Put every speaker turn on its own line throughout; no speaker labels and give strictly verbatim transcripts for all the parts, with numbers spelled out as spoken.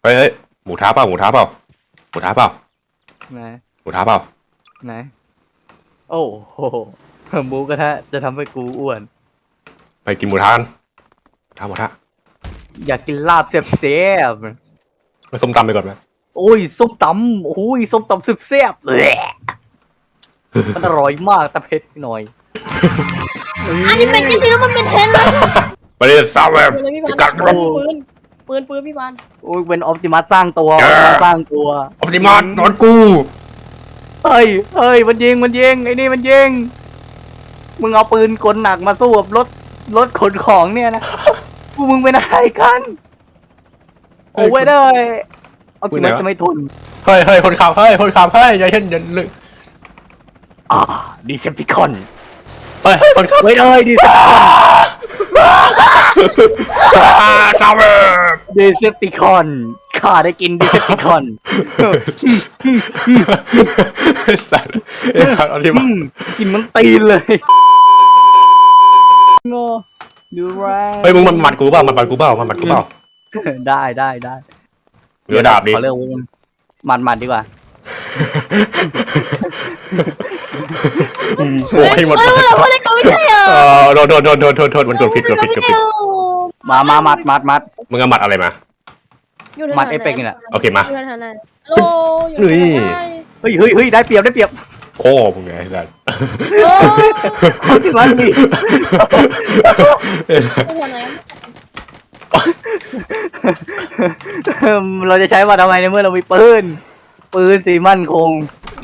ฮ้ยเฮ้ยหมูท้าเปล่าหมูท้าเปล่าหมูท้าเปล่า
ไหน
หมูท้าเปล่า
ไหนโอ้โหหมูกระทะจะทำให้กูอ้วน
ไปกินหมูท้ากันท้าหมูท้า
อยากกินลาบแซ่บ
ไปส้มตำไปก่อนไหม
ๆโอ้ยส้มตำโอ้ยส้มตำสุดแซ่บเลยมันอร่อยมากแต่เผ็ดหน่อย
อันนี้เป็นจริงๆแล้วมันเป็นเทรนด์เลย
ไปเลยซาวแบบจะกัดรบ
ปืนปืนปืนพี่บาน
โอ้ยเป็นออปติมัสสร้างตัวสร้างตัว
ออปติมัสนอนกู
เฮ้ยเฮ้ยมันยิงมันยิงไอ้นี่มันยิงมึงเอาปืนกลหนักมาสู้กับรถรถขนของเนี่ยนะพวกมึงเป็นอะไรกันโอ้ยเลยเอาติมัสจะไม่ทน
เฮ้ยเฮ้ยคนขับเฮ้ยคนขับเฮ้ยอย่าเช่นอย่าลึก
อ่าดีเซปติคอน
เฮ้ยคนขับ
เฮ้ยเอ้ยดีเซปติคอน
ซาวแบบ
ดีเซปติคอนข้าได้กินดีเซปติคอน
สัตว์เอ้ยเอาที่มา
กินมันตีนเลยโง่ดูแรง
เฮ้ยมึงมันหมัดกูเปล่ามันหมัดกูเปล่ามันหมัดกูเปล่า
ได้ได้ได้
เหลือดาบดิ
ขอเรื่องมันมันดีกว่า
โอ้ยหมด
เฮ้ยเราไม่ได้เขาไม่ใช่เหรอ
เออโดนโดนโดนโดนโดนโดนมันกดผิดกดผิดกดผิด
มามามัดมัดมัด
มึงเอาหมัดอะไรมา
มัดเอฟเฟกต์นี่แหละ
โอเคมา
อยู่แถวไหนโลอยู่
นี่
แถวไหน
เฮ้ยเฮ้ยเฮ้ยได้เปรียบได้เปรียบ
โอ้มึงไงสัตว์
โล
มันดิ
อยู่แถวไหน
เราจะใช้มาทำไมในเมื่อเรามีปืนปืนสีมั่นคง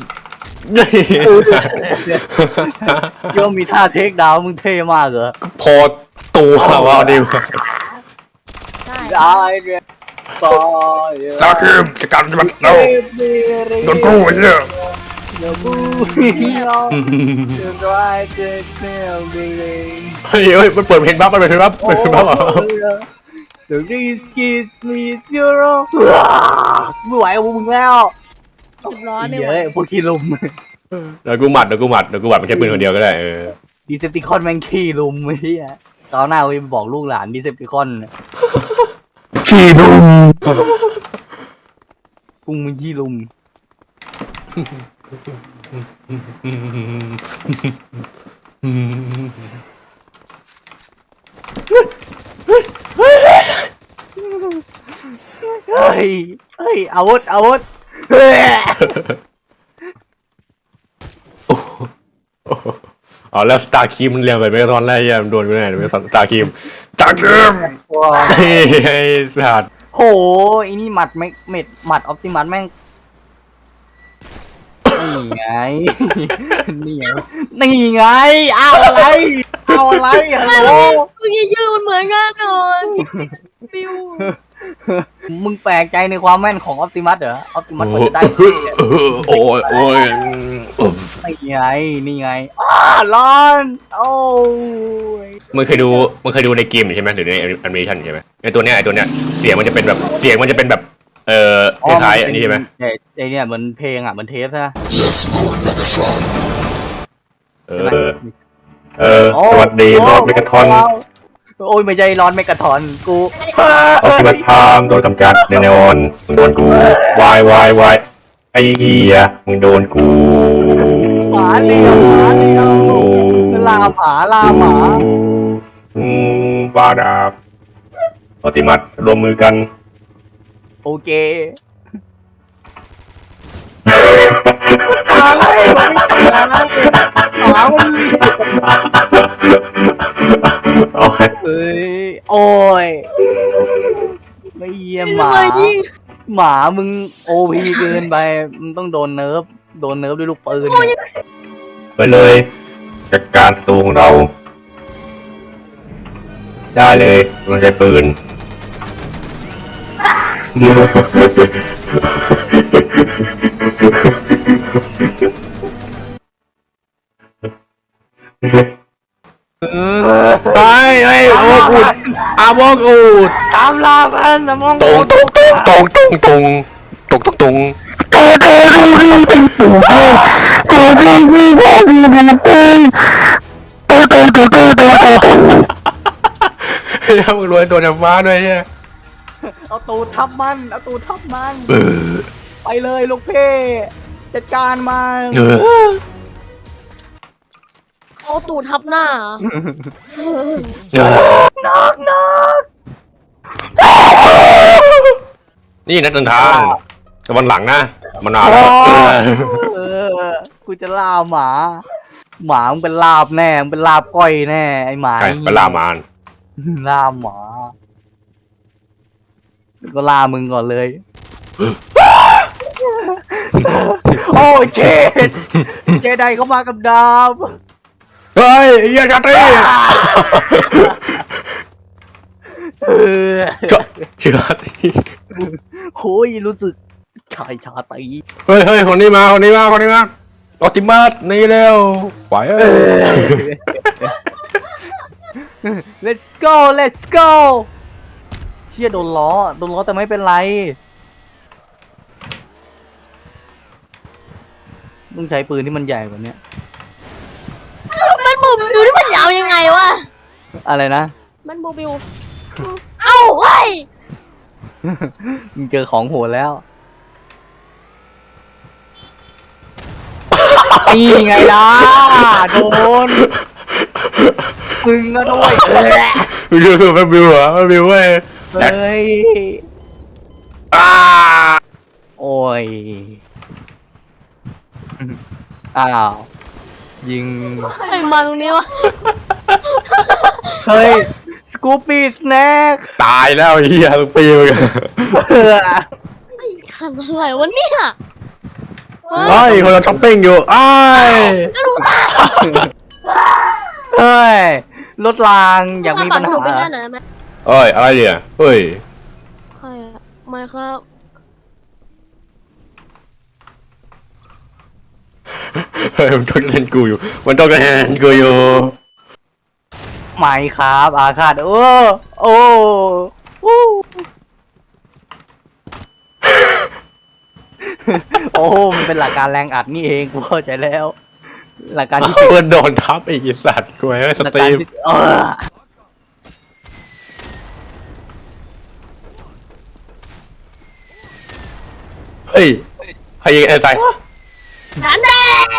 ย่อมมีท่าเทคดาวมึงเท่มากเหรอ
พอตัวว่าดิว
ได้
ได้เลยต่อ
ซาคิมสกัดมันเราโดนกูไอ้เหี้ย
เดี๋ยวบูเราจะได้เจ็บแนวดี
เฮ้ยเฮ้ยมันเปิดเพลงบัฟมันเปิดเพลงบัฟเปิดเพลงบัฟเหรอ
The risk is me zero ไม่ไหวกับมึงแล้ว
สิบร้อยไม่ไหว
เฮ้ยพวกขี้ลุม
เดี๋ยวกูหมัดเดี๋ยวกูหมัดเดี๋ยวกูหมัดมันใช้ปืนคนเดียวก็ได้เออ
ดีเซปติคอนแม่งขี้ลุมไอ้เหี้ยตอนหน้ากูจะบอกลูกหลานดีเซปติคอนขี้ลุมกุ้งมันขี้ลุมเฮ้ยเฮ้ยอาวุธอาวุธเฮ้ย
อ๋อแล้วสตาร์คีมมันเรียงไปไม่ตอนแรกยังโดนกูแน่ไม่สตาร์คีมสตาร์คีมเฮ้ยไอ้สัตว์
โหอีนี่หมัดไม่เม็ดหมัดออปติมัสแม่งนี่ไงนี่ไงนี่ไงเอาอะไรเอาอะไรฮัลโหล
เมื่อกี้ชื่อมันเหมือนกันหน่อยฟิว
มึงแปลกใจในความแม่นของออปติมัสเหรอออปติมัสมันจะได้
โอ้ยโอ้ย
นี่ไงนี่ไงอ้าร้อนโอ้ย
มึงเคยดูมึงเคยดูในเกมใช่ไหมหรือในแอนิเมชันใช่ไหมไอตัวเนี้ยไอตัวเนี้ยเสียงมันจะเป็นแบบเสียงมันจะเป็นแบบเอ่อคล้ายๆอันนี้ใช่ไหม
ไอ้ไอ้เนี่ยเหมือนเพลงอ่ะเหมือนเทปใช่ไหม
เออเออสวัสดีโรดเมกาทอน
โอ้ยไม่ใช่ร้อนเมกะทอนกู
ออปติมัสพามโดนกำจัดแน่นอนมึงโดนกูวายวายวายไอ้เหี้ยมึงโดนกู
หมาเดียวหมาเดียวลาหมาลาหมา
อืมบาดาบออปติมัสรวมมือกัน
โอเคอะไรวะหมามัน
โอ้ย
เอ้ยโอ้ยไม่เยี่ยมหมา
ทำไมยิ่ง
หมามึงโอพีเกินไปมึงต้องโดนเนิร์ฟโดนเนิร์ฟด้วยลูกปืน
ไปเลยจัดการศัตรูของเรา ได้เลยต้องใช้ปืนไปไอ้โอ้กูดอาโมกูด
ตามลาพันสมอง
ตรงตรงตรงตรงตรงตรงตรงตรงเฮ้ยมึงรวยตัวจากฟ้าด้วยเนี่ย
เอาตูดทับมันเอาตูดทับมันไปเลยลูกเพ่จัดการมัน
เออ
เอาตูดทับหน้า
เออ
นักนัก
นี่นักเดินทางแต่วันหลังนะมานานแล้ว
เออกูจะล่าหมา หมามึงเป็นลาบแน่มึงเป็นลาบก้อยแน่ไอหมา
ใช่ไปล่ามาน
ล่าหมา ก็ล่ามึงก่อนเลย โอ้เจดเจไดเข้ามากับดาบ
เฮ้ยเฮียชาตรี
เออ
ชาตรี
โอ้ยรู้สึกชายชาตรี
เฮ้ยเฮ้ยคนนี้มาคนนี้มาคนนี้มาออติมัสนี่เร็วไหวเอ้ย
let's go let's go เชี่ยโดนล้อโดนล้อแต่ไม่เป็นไรต้องใช้ปืนที่มันใหญ่กว่านี้
มันบูบิวนี่มันยาวยังไงวะ
อะไรนะ
มันบูบิวเอ้าเว้ย
มึงเจอของโหดแล้วนี่ไงล่ะโดนมึงก็ด้วยเออ
วิวสุดเป็นวิวเหรอเป็นวิวเว้ย
เฮ้ย
อ้า
โอ้ยอ้าวยิง
ใครมาตรงนี้วะ
เฮ้ยสกูปี้สแน็ค
ตายแล้วเฮียทุกปีเลย
ไอ้ขันอะไรวะเนี่ยเฮ้ย
เฮ้ยคนเราช้อปปิ้งอยู่อ้าย
เฮ้ยรถรางอยากมีปัญ
หนู
หา
เป็นได้ไหนไหม
เอ้ยอะไรเนี่ยเฮ้ย
ใครอะไม่ครับ
เฮ้ยมันจ้องจะเล่นกูอยู่มันจ้องจะเล่นกูอยู่
ไม่ครับอาคาดโอ้โอ้โอ้โอ้มันเป็นหลักการแรงอัดนี่เองกูเข้าใจแล้ว หลักการที่
เพื่อนโดนทับอีกไอ้สัตว์กูให้ส
หลัก
ต
การ
รีม
ที่เออ
เฮ้ยใครยิงไอ้ใจ
ฉันแน่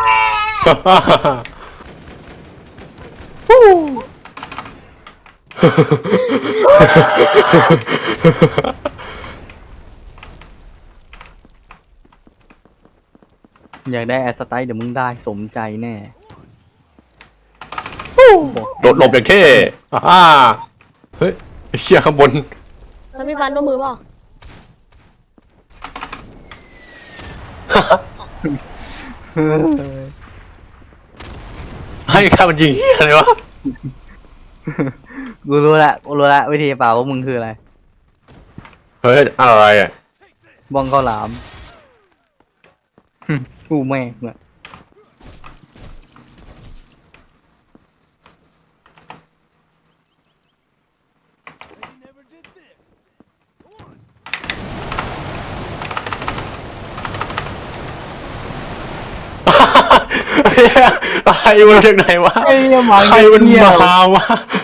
อยากได้แอสไตล์เดี๋ยวมึงได้สมใจแน่
โดดหลบอย่างเท่อ่าเฮ้ยไอ้เชี่ยข้างบน
แล้วมีฟันด้วยมือเปล่า
ให้ข้ามันยิงเฮียอะไรวะ
กูรู้ละกูรู้ละวิธีเป่าว่ามึงคืออะไร
เฮ้ยอะไรอ่ะ
บ้องข้าวหลาม กูแม่งอะ
อะไรมันจากไหนวะ
ไอ้เหี้ยหมา
ใครมัน
เหี้ย
มาวะ